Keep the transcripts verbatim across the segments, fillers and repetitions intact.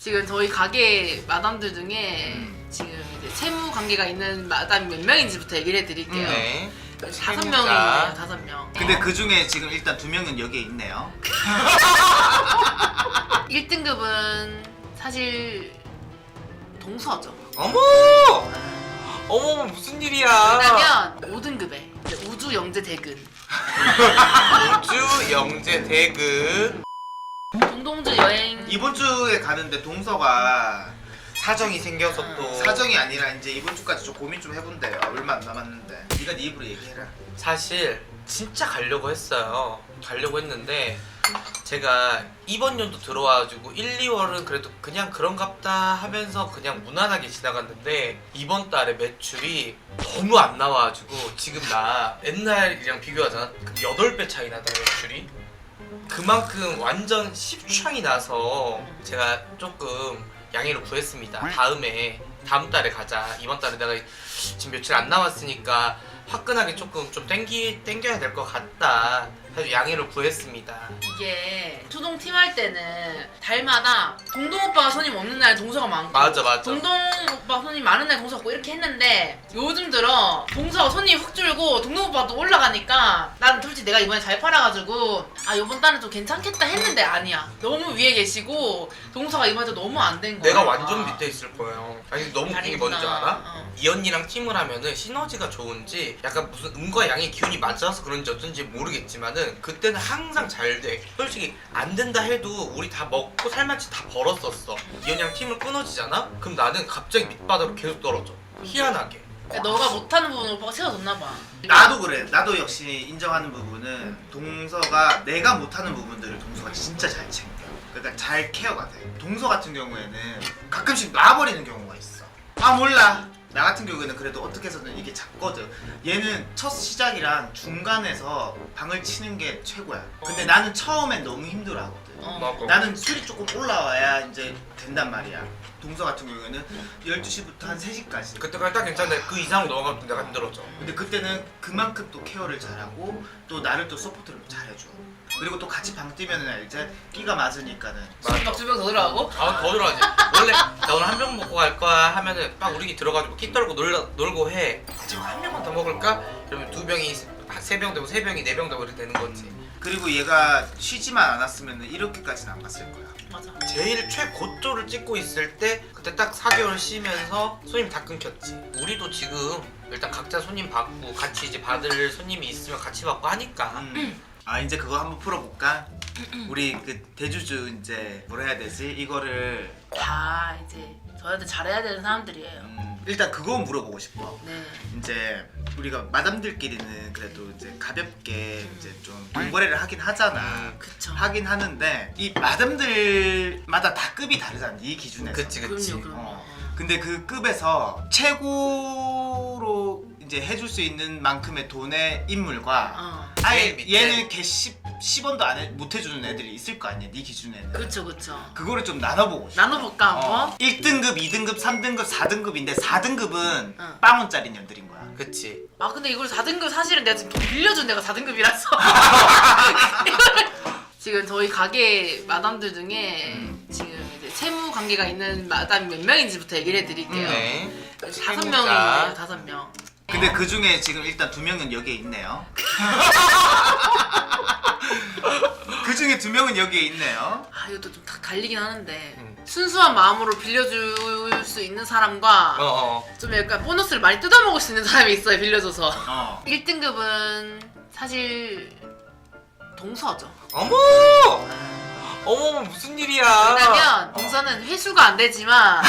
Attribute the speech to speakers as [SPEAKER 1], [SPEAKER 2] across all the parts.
[SPEAKER 1] 지금 저희 가게 마담들 중에
[SPEAKER 2] 음.
[SPEAKER 1] 지금 이제 채무 관계가 있는 마담이 몇 명인지부터 얘기를 해드릴게요.
[SPEAKER 2] 네.
[SPEAKER 1] 다섯
[SPEAKER 2] 채무자.
[SPEAKER 1] 명이에요, 다섯 명.
[SPEAKER 3] 근데 그 중에 지금 일단 두 명은 여기에 있네요.
[SPEAKER 1] 일 등급은 사실 동서죠.
[SPEAKER 2] 어머! 어머 무슨 일이야?
[SPEAKER 1] 왜냐면 오 등급에 우주 영재 대근.
[SPEAKER 2] 우주 영재 대근.
[SPEAKER 1] 동동주 여행.
[SPEAKER 3] 이번 주에 가는데 동서가
[SPEAKER 2] 사정이 생겨서 또
[SPEAKER 3] 사정이 아니라 이제 이번 주까지 좀 고민 좀 해본대요. 얼마 안 남았는데. 네가 네 입으로 얘기해라.
[SPEAKER 2] 사실 진짜 가려고 했어요. 가려고 했는데 제가 이번 연도 들어와가지고 일, 이월은 그래도 그냥 그런갑다 하면서 그냥 무난하게 지나갔는데 이번 달에 매출이 너무 안 나와가지고 지금 나 옛날이랑 비교하잖아. 여덟 배 차이 나다 매출이. 그만큼 완전 십창이 나서 제가 조금 양해를 구했습니다. 다음에 다음 달에 가자. 이번 달에 내가 지금 며칠 안 남았으니까 화끈하게 조금 좀 땡기 땡겨야 될 것 같다. 해서 양해를 구했습니다.
[SPEAKER 1] 이게 수동 팀 할 때는 달마다 동동 오빠가 손님 없는 날 동서가 많고
[SPEAKER 2] 맞아 맞아.
[SPEAKER 1] 동동 오빠 손님 많은 날 동서 없고 이렇게 했는데 요즘 들어 동서가 손님 훅 줄고 동동 오빠가 또 올라가니까 난 솔직히 내가 이번에 잘 팔아가지고 아 요번 달은 좀 괜찮겠다 했는데 아니야. 너무 위에 계시고 동서가 이번에 너무 안 된 거야.
[SPEAKER 2] 내가 완전 밑에 있을 거예요. 아니 너무 웃긴 게 뭔지
[SPEAKER 1] 다행이구나.
[SPEAKER 2] 알아?
[SPEAKER 1] 어.
[SPEAKER 2] 이 언니랑 팀을 하면은 시너지가 좋은지 약간 무슨 음과 양의 기운이 맞아서 그런지 어쩐지 모르겠지만은 그때는 항상 잘 돼. 솔직히 안 된다 해도 우리 다 먹고 살만치 다 벌었었어. 이 언니랑 팀을 끊어지잖아? 그럼 나는 갑자기 밑바닥으로 계속 떨어져. 희한하게.
[SPEAKER 1] 그러니까 너가 못하는 부분을 오빠가 채워줬나 봐.
[SPEAKER 3] 나도 그래. 나도 역시 인정하는 부분은 동서가 내가 못하는 부분들을 동서가 진짜 잘 챙겨. 그러니까 잘 케어가 돼. 동서 같은 경우에는 가끔씩 놔버리는 경우가 있어. 아 몰라. 나 같은 경우에는 그래도 어떻게 해서든 이게 작거든. 얘는 첫 시작이랑 중간에서 방을 치는 게 최고야. 근데 나는 처음엔 너무 힘들어하거든.
[SPEAKER 1] 어.
[SPEAKER 2] 맞고.
[SPEAKER 3] 나는 술이 조금 올라와야 이제 된단 말이야. 동서 같은 경우에는 열두 시부터 한 세 시까지.
[SPEAKER 2] 그때까지 딱 괜찮은데 그 이상으로 넘어가면 내가 힘들어져.
[SPEAKER 3] 근데 그때는 그만큼 또 케어를 잘하고 또 나를 또 서포트를 잘해줘. 그리고 또 같이 방 뛰면은 이제 끼가 맞으니까는
[SPEAKER 1] 막 두 명 더 들어가고?
[SPEAKER 2] 아 더 들어가지. 원래 나 오늘 한 병 먹고 갈 거야 하면은 막 우리 들어가지고 키 떨고 놀, 놀고 해. 지금 한 병만 더 먹을까? 그러면 두 병이 세 병 되고 세 병이 네 병 되고 이렇게 되는 거지.
[SPEAKER 3] 그리고 얘가 쉬지만 않았으면 이렇게까지는 안 갔을 거야.
[SPEAKER 1] 맞아.
[SPEAKER 2] 제일 최고조를 찍고 있을 때 그때 딱 사 개월 쉬면서 손님 다 끊겼지. 우리도 지금 일단 각자 손님 받고 같이 이제 받을 손님이 있으면 같이 받고 하니까.
[SPEAKER 3] 음. 아 이제 그거 한번 풀어볼까? 우리 그 대주주 이제 뭐라 해야 되지? 이거를
[SPEAKER 1] 다 이제 저희한테 잘해야 되는 사람들이에요.
[SPEAKER 3] 음, 일단 그거 물어보고 싶어.
[SPEAKER 1] 네.
[SPEAKER 3] 이제 우리가 마담들끼리는 그래도 이제 가볍게 이제 좀 돈거래를 하긴 하잖아.
[SPEAKER 1] 그쵸.
[SPEAKER 3] 하긴 하는데 이 마담들마다 다 급이 다르잖아. 이 기준에서.
[SPEAKER 2] 그치 그치.
[SPEAKER 1] 그럼요, 그럼요.
[SPEAKER 3] 어. 근데 그 급에서 최고로 이제 해줄 수 있는 만큼의 돈의 인물과
[SPEAKER 1] 어.
[SPEAKER 3] 아예
[SPEAKER 2] 제일 밑에.
[SPEAKER 3] 얘는 걔 십 원도 안 해, 못 해주는 애들이 있을 거 아니야. 네 기준에는.
[SPEAKER 1] 그쵸, 그쵸.
[SPEAKER 3] 그거를 좀 나눠보고 싶어.
[SPEAKER 1] 나눠볼까, 한번?
[SPEAKER 3] 어. 일 등급, 이 등급, 삼 등급, 사 등급인데 사 등급은
[SPEAKER 1] 응.
[SPEAKER 3] 빵원짜리 년들인 거야.
[SPEAKER 2] 그치.
[SPEAKER 1] 아, 근데 이걸 사 등급 사실은 내가 지금 돈 빌려준 데가 사 등급이라서. 지금 저희 가게 마담들 중에
[SPEAKER 3] 음.
[SPEAKER 1] 지금 이제 채무 관계가 있는 마담이 몇 명인지부터 얘기를 해드릴게요.
[SPEAKER 2] 네.
[SPEAKER 1] 다섯
[SPEAKER 2] 채무자.
[SPEAKER 1] 명이에요, 다섯 명.
[SPEAKER 3] 근데 그 중에 지금 일단 두 명은 여기에 있네요. 그 중에 두 명은 여기에 있네요.
[SPEAKER 1] 아, 이것도 좀 다 갈리긴 하는데.
[SPEAKER 2] 음.
[SPEAKER 1] 순수한 마음으로 빌려줄 수 있는 사람과
[SPEAKER 2] 어어.
[SPEAKER 1] 좀 약간 보너스를 많이 뜯어먹을 수 있는 사람이 있어요, 빌려줘서.
[SPEAKER 3] 어.
[SPEAKER 1] 일 등급은 사실 동서죠.
[SPEAKER 2] 어머! 어머 무슨 일이야?
[SPEAKER 1] 왜냐면 동서는 회수가 안 되지만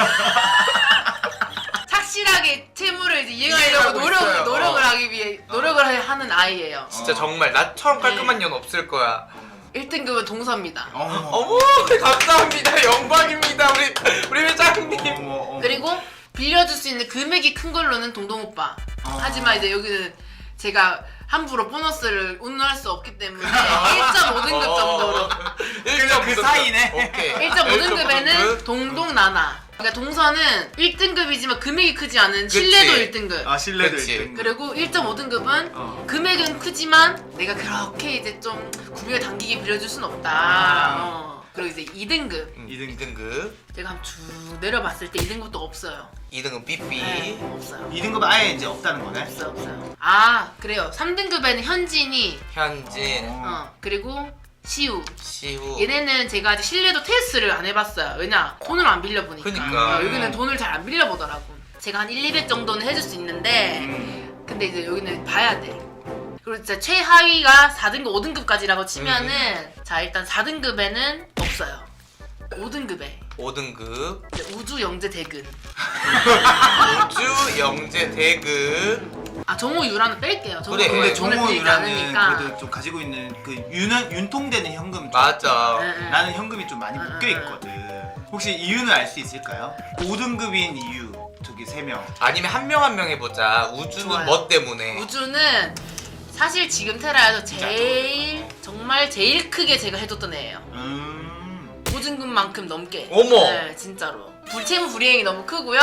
[SPEAKER 1] 착실하게 채무를 이제 이행하려고
[SPEAKER 2] 이해하고
[SPEAKER 1] 노력,
[SPEAKER 2] 있어요.
[SPEAKER 1] 노력을
[SPEAKER 2] 어.
[SPEAKER 1] 하기 위해 노력을 하- 하는 아이예요.
[SPEAKER 2] 진짜
[SPEAKER 3] 어.
[SPEAKER 2] 정말 나처럼 깔끔한
[SPEAKER 1] 네.
[SPEAKER 2] 년 없을 거야.
[SPEAKER 1] 일 등급은 동서입니다.
[SPEAKER 3] 어머.
[SPEAKER 2] 어머 감사합니다. 영광입니다. 우리 우리 회장님.
[SPEAKER 3] 어머, 어머.
[SPEAKER 1] 그리고 빌려줄 수 있는 금액이 큰 걸로는 동동 오빠.
[SPEAKER 3] 어.
[SPEAKER 1] 하지만 이제 여기는 제가 함부로 보너스를 운운할 수 없기 때문에 일 점 오 등급 정도로.
[SPEAKER 3] 그냥 그 사이네.
[SPEAKER 2] 오케이.
[SPEAKER 1] 일 점 오
[SPEAKER 2] 일 점 오
[SPEAKER 1] 등급에는
[SPEAKER 2] 등급.
[SPEAKER 1] 동동 나나. 그러니까 동서는 일 등급이지만 금액이 크지 않은 신뢰도
[SPEAKER 2] 그치.
[SPEAKER 1] 일 등급.
[SPEAKER 3] 아 신뢰도
[SPEAKER 2] 그치.
[SPEAKER 3] 일 등급.
[SPEAKER 1] 그리고 일 점 오 등급은
[SPEAKER 3] 어.
[SPEAKER 1] 금액은 크지만 내가 그렇게 이제 좀 구비가 당기게 빌려줄 순 없다.
[SPEAKER 3] 아.
[SPEAKER 1] 어. 그리고 이제 이 등급.
[SPEAKER 2] 음,
[SPEAKER 3] 이 등급.
[SPEAKER 2] 이 등급.
[SPEAKER 1] 제가 한번 쭉 내려봤을 때 이 등급도 없어요.
[SPEAKER 2] 이 등급 삐삐.
[SPEAKER 1] 네, 없어요.
[SPEAKER 3] 이 등급 아예 이제 없다는 거네.
[SPEAKER 1] 없어요, 없어요. 아, 그래요. 삼 등급에는 현진이,
[SPEAKER 2] 현진,
[SPEAKER 3] 어.
[SPEAKER 1] 어, 그리고 시우.
[SPEAKER 2] 시우.
[SPEAKER 1] 얘네는 제가 아직 신뢰도 테스트를 안 해봤어요. 왜냐? 돈을 안 빌려보니까.
[SPEAKER 2] 그니까.
[SPEAKER 1] 어, 여기는 돈을 잘 안 빌려보더라고. 제가 한 일, 이백 정도는 해줄 수 있는데,
[SPEAKER 3] 음.
[SPEAKER 1] 근데 이제 여기는 봐야 돼. 그리고 진짜 최하위가 사 등급, 오 등급까지라고 치면은,
[SPEAKER 2] 음.
[SPEAKER 1] 자, 일단 사 등급에는 없어요. 오 등급에.
[SPEAKER 2] 오 등급.
[SPEAKER 1] 우주 영재 대근.
[SPEAKER 2] 우주 영재 대급.
[SPEAKER 1] 아, 정호 유라는 뺄게요. 정호
[SPEAKER 2] 그래,
[SPEAKER 1] 유라
[SPEAKER 3] 근데
[SPEAKER 1] 돈을
[SPEAKER 3] 정호
[SPEAKER 1] 빌리지
[SPEAKER 3] 유라는
[SPEAKER 1] 않으니까.
[SPEAKER 3] 그래도 좀 가지고 있는 그 윤, 윤통되는 현금 좀
[SPEAKER 2] 맞아.
[SPEAKER 1] 응, 응.
[SPEAKER 3] 나는 현금이 좀 많이
[SPEAKER 1] 응,
[SPEAKER 3] 묶여
[SPEAKER 1] 응,
[SPEAKER 3] 있거든. 혹시 이유는 알 수 있을까요? 오 등급인 이유 저기 세 명.
[SPEAKER 2] 아니면 한 명 한 명 해보자. 우주는
[SPEAKER 1] 좋아요.
[SPEAKER 2] 뭐 때문에?
[SPEAKER 1] 우주는 사실 지금 테라에서 제일 정말 제일 크게 제가 해줬던 애예요.
[SPEAKER 3] 음.
[SPEAKER 1] 오 등급만큼 넘게.
[SPEAKER 2] 어머.
[SPEAKER 1] 네, 진짜로. 불체무 불이행이 너무 크고요.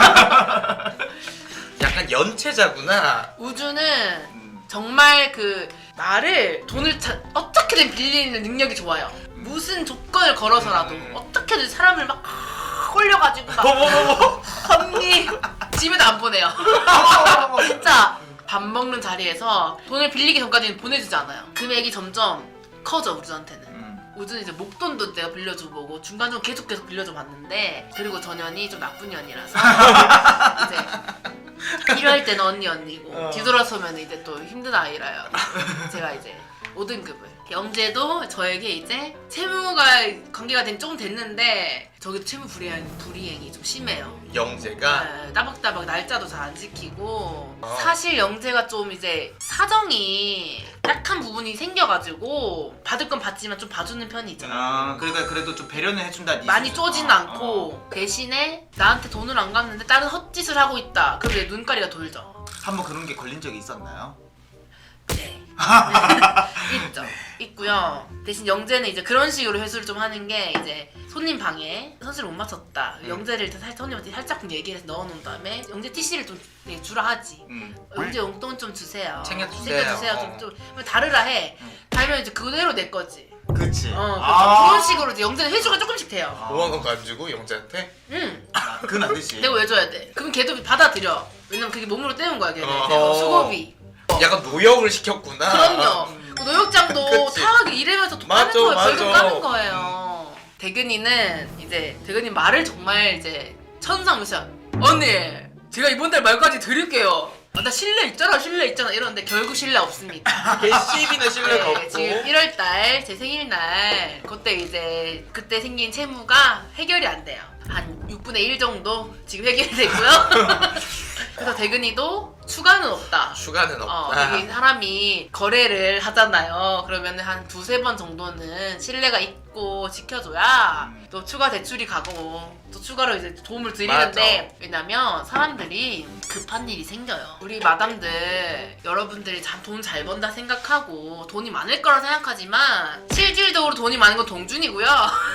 [SPEAKER 2] 약간 연체자구나.
[SPEAKER 1] 우주는
[SPEAKER 3] 음.
[SPEAKER 1] 정말 그 나를 돈을 자, 어떻게든 빌리는 능력이 좋아요. 무슨 조건을 걸어서라도
[SPEAKER 2] 음.
[SPEAKER 1] 어떻게든 사람을 막 홀려가지고 막
[SPEAKER 2] 어머머머.
[SPEAKER 1] 언니 집에도 안 보내요. 진짜 밥 먹는 자리에서 돈을 빌리기 전까지는 보내주지 않아요. 금액이 점점 커져 우주한테는.
[SPEAKER 3] 음.
[SPEAKER 1] 우주는 이제 목돈도 내가 빌려줘 보고 중간중간 계속 계속 빌려줘 봤는데 그리고 저 년이 좀 나쁜 년이라서 이제 필요할 때는 언니 언니고
[SPEAKER 2] 어.
[SPEAKER 1] 뒤돌아서면 이제 또 힘든 아이라요. 제가 이제 오 등급을 영재도 저에게 이제 채무가 관계가 된 조금 됐는데 저기도 채무 불이행, 불이행이 좀 심해요.
[SPEAKER 2] 영재가.
[SPEAKER 1] 네, 따박따박 날짜도 잘 안 지키고
[SPEAKER 2] 어.
[SPEAKER 1] 사실 영재가 좀 이제 사정이 약한 부분이 생겨가지고 받을 건 받지만 좀 봐주는 편이 있잖아.
[SPEAKER 3] 아, 그러니까 그래도 좀 배려는 해준다. 니
[SPEAKER 1] 많이
[SPEAKER 3] 수준.
[SPEAKER 1] 쪼지는
[SPEAKER 3] 어,
[SPEAKER 1] 않고
[SPEAKER 3] 어.
[SPEAKER 1] 대신에 나한테 돈을 안 갚는데 다른 헛짓을 하고 있다. 그럼 내 눈가리가 돌죠.
[SPEAKER 3] 한번 그런 게 걸린 적이 있었나요?
[SPEAKER 1] 네. 있죠. 있고요. 대신 영재는 이제 그런 식으로 회수를 좀 하는 게 이제 손님 방에 선수를 못 맞췄다.
[SPEAKER 3] 음.
[SPEAKER 1] 영재를 일단 살- 손님한테 살짝 얘기를 해서 넣어놓은 다음에 영재 티씨를 좀 네, 주라 하지.
[SPEAKER 3] 음.
[SPEAKER 1] 영재 용돈 좀 주세요.
[SPEAKER 2] 챙겨주세요.
[SPEAKER 1] 챙겨주세요.
[SPEAKER 2] 어.
[SPEAKER 1] 좀, 좀 다르라 해.
[SPEAKER 3] 음.
[SPEAKER 1] 달면 이제 그대로 내 거지.
[SPEAKER 3] 그치.
[SPEAKER 1] 어,
[SPEAKER 3] 아.
[SPEAKER 1] 그런 식으로 이제 영재는 회수가 조금씩 돼요.
[SPEAKER 3] 아.
[SPEAKER 2] 오만 원도 안 주고 영재한테?
[SPEAKER 1] 응.
[SPEAKER 3] 아, 그건 안 되지.
[SPEAKER 1] 내가 왜 줘야 돼? 그럼 걔도 받아들여. 왜냐면 그게 몸으로 때운 거야, 걔는.
[SPEAKER 2] 어허.
[SPEAKER 1] 수고비.
[SPEAKER 2] 약간 노역을 시켰구나.
[SPEAKER 1] 그럼요. 그 노역장도
[SPEAKER 2] 그치.
[SPEAKER 1] 타하게 일하면서 돈
[SPEAKER 2] 맞아,
[SPEAKER 1] 까는 거예요.
[SPEAKER 2] 맞아.
[SPEAKER 1] 벌금 까는 거예요. 대근이는 이제 대근이 말을 정말 이제 천상무시한. 언니, 제가 이번 달 말까지 드릴게요. 아, 나 신뢰 있잖아, 신뢰 있잖아 이러는데 결국 신뢰 없습니다.
[SPEAKER 2] 개씨비는 신뢰가
[SPEAKER 1] 네,
[SPEAKER 2] 없고.
[SPEAKER 1] 지금 일월 달 제 생일날 그때 이제 그때 생긴 채무가 해결이 안 돼요. 한 육분의 일 정도 지금 해결되고요. 그래서 대근이도 추가는 없다.
[SPEAKER 2] 추가는
[SPEAKER 1] 어,
[SPEAKER 2] 없다.
[SPEAKER 1] 이게 사람이 거래를 하잖아요. 그러면 한 두세 번 정도는 신뢰가 있고 지켜줘야
[SPEAKER 3] 음.
[SPEAKER 1] 또 추가 대출이 가고 또 추가로 이제 도움을 드리는데
[SPEAKER 2] 맞아.
[SPEAKER 1] 왜냐면 사람들이 급한 일이 생겨요. 우리 마담들 여러분들이 돈 잘 번다 생각하고 돈이 많을 거라 생각하지만 실질적으로 돈이 많은 건 동준이고요.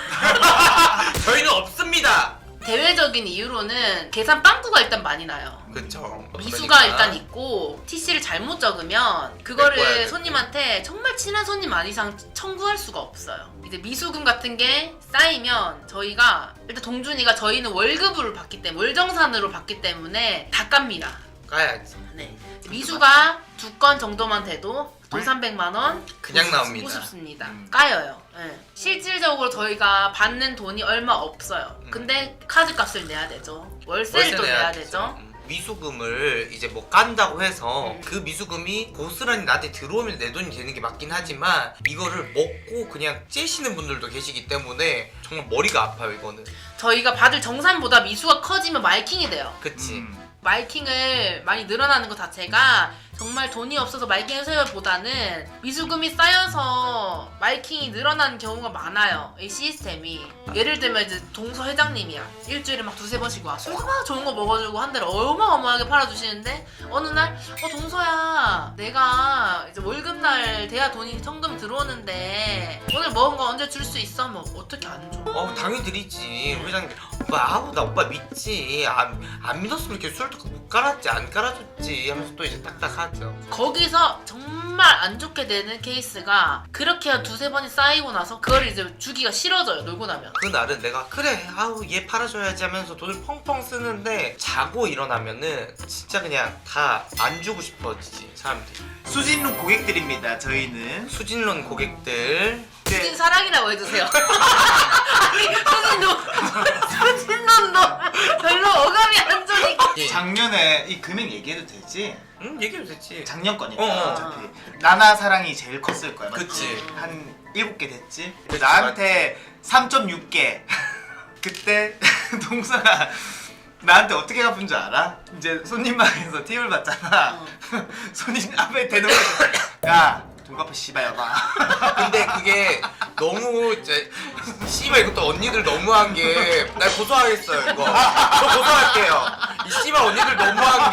[SPEAKER 2] 저희는 없습니다.
[SPEAKER 1] 대외적인 이유로는 계산 빵꾸가 일단 많이 나요.
[SPEAKER 2] 그쵸.
[SPEAKER 1] 미수가
[SPEAKER 2] 그러니까.
[SPEAKER 1] 일단 있고 티씨를 잘못 적으면
[SPEAKER 2] 메꿔야
[SPEAKER 1] 그거를
[SPEAKER 2] 되고.
[SPEAKER 1] 손님한테 정말 친한 손님 안 이상 청구할 수가 없어요. 이제 미수금 같은 게 쌓이면 저희가 일단 동준이가 저희는 월급으로 받기 때문에 월정산으로 받기 때문에 다 깝니다.
[SPEAKER 2] 까야지.
[SPEAKER 1] 네. 미수가 두 건 정도만 돼도 돈 삼백만 원
[SPEAKER 2] 그냥
[SPEAKER 1] 우습-
[SPEAKER 2] 나옵니다.
[SPEAKER 1] 우습습니다.
[SPEAKER 3] 음.
[SPEAKER 1] 까여요. 네. 실질적으로 저희가 받는 돈이 얼마 없어요.
[SPEAKER 2] 음.
[SPEAKER 1] 근데 카드 값을 내야 되죠. 월세를 또 내야 되죠.
[SPEAKER 2] 음. 미수금을 이제 뭐 깐다고 해서
[SPEAKER 1] 음.
[SPEAKER 2] 그 미수금이 고스란히 나한테 들어오면 내 돈이 되는 게 맞긴 하지만 이거를 먹고 그냥 째시는 분들도 계시기 때문에 정말 머리가 아파요 이거는.
[SPEAKER 1] 저희가 받을 정산보다 미수가 커지면 마이킹이 돼요.
[SPEAKER 2] 그치.
[SPEAKER 3] 음.
[SPEAKER 1] 마이킹을 많이 늘어나는 것 자체가 정말 돈이 없어서 마이킹 해서보다는 미수금이 쌓여서 마이킹이 늘어나는 경우가 많아요. 이 시스템이. 예를 들면 이제 동서 회장님이야. 일주일에 막 두세 번씩 와. 술 막 좋은 거 먹어주고 한 달에 어마어마하게 팔아주시는데 어느 날 어 동서야 내가 이제 월급날 돼야 돈이 현금 들어오는데 오늘 먹은 거 언제 줄 수 있어? 뭐 어떻게 안 줘?
[SPEAKER 2] 어 당연히 드리지 회장님. 오빠 아우 나 오빠 믿지 안, 안 믿었으면 이렇게 술도 못 깔았지 안 깔아줬지 하면서 또 이제 딱딱하죠.
[SPEAKER 1] 거기서 정말 안 좋게 되는 케이스가 그렇게 한 두세 번이 쌓이고 나서 그걸 이제 주기가 싫어져요. 놀고 나면.
[SPEAKER 2] 그날은 내가 그래 아우 얘 팔아줘야지 하면서 돈을 펑펑 쓰는데 자고 일어나면은 진짜 그냥 다 안 주고 싶어지지 사람들이.
[SPEAKER 3] 수진룩 고객들입니다. 저희는
[SPEAKER 2] 수진론 고객들
[SPEAKER 1] 수진 사랑이라고 해주세요. 아니 수진도 수진론도 별로 어감이 안 좋으니까.
[SPEAKER 2] 예.
[SPEAKER 3] 작년에 이 금액 얘기해도 되지?
[SPEAKER 2] 응 얘기해도 되지.
[SPEAKER 3] 작년 거니까
[SPEAKER 2] 어, 어.
[SPEAKER 3] 어차피 나나 사랑이 제일 컸을 거야. 맞지?
[SPEAKER 2] 그치.
[SPEAKER 3] 한 일곱 개 됐지?
[SPEAKER 2] 그치,
[SPEAKER 3] 나한테 삼 점 육 개. 그때 동서가 나한테 어떻게 갚은 줄 알아? 이제 손님방에서 팁을 받잖아.
[SPEAKER 1] 어.
[SPEAKER 3] 손님 앞에 대놓고 야 돈갚아 씨발 여봐.
[SPEAKER 2] 근데 그게 너무 이제 씨발 이것도 언니들 너무한 게 날 고소하겠어요 이거. 저 고소할게요. 이 씨발 언니들 너무한 게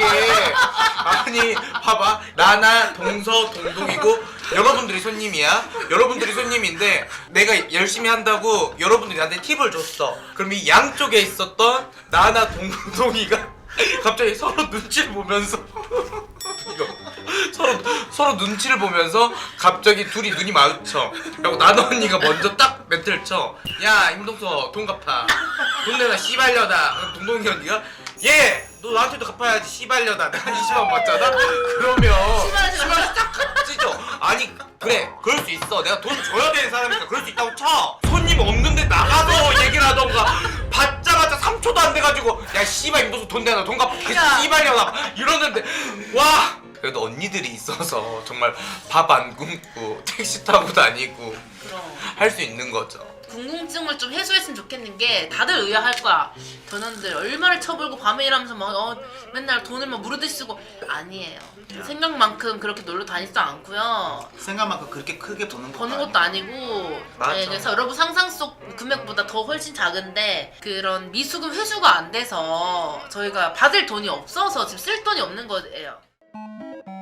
[SPEAKER 2] 아니 봐봐 나나 동서 동동이고 여러분들이 손님이야. 여러분들이 손님인데 내가 열심히 한다고 여러분들이 나한테 팁을 줬어. 그럼 이 양쪽에 있었던 나나 동동이가 갑자기 서로 눈치를 보면서 이거 서로 서로 눈치를 보면서 갑자기 둘이 눈이 마주쳐. 그리고 나나 언니가 먼저 딱 멘트를 쳐. 야 임동서 돈 갚아. 돈 내놔 씨발려다. 그럼 동동이 언니가 얘 너 나한테도 갚아야지 씨발려다. 내가 이십만 원 받잖아. 그러면
[SPEAKER 1] 씨발하지 마.
[SPEAKER 2] 씨발 딱 찢어. 아니 그래 그럴 수 있어. 내가 돈 줘야 되는 사람이니까 그럴 수 있다고 쳐. 손님 없는데 나가서 얘기를 하던가. 받자마자 삼 초도 안 돼가지고 야 씨발 임동서 돈 내놔 돈 갚아. 계속
[SPEAKER 1] 야.
[SPEAKER 2] 씨발려다 이러는데 와. 그래도 언니들이 있어서 정말 밥 안 굶고 택시 타고 다니고
[SPEAKER 1] 그럼.
[SPEAKER 2] 할 수 있는 거죠.
[SPEAKER 1] 궁금증을 좀 해소했으면 좋겠는 게 다들 의아할 거야. 저놈들 얼마를 쳐불고 밤에 일하면서 막 어, 맨날 돈을 막 무르듯이 쓰고 아니에요. 생각만큼 그렇게 놀러 다니지도 않고요.
[SPEAKER 3] 생각만큼 그렇게 크게 버는 것도
[SPEAKER 1] 버는 것도 아니고
[SPEAKER 2] 맞아.
[SPEAKER 1] 네, 그래서 여러분 상상 속 금액보다 더 훨씬 작은데 그런 미수금 회수가 안 돼서 저희가 받을 돈이 없어서 지금 쓸 돈이 없는 거예요.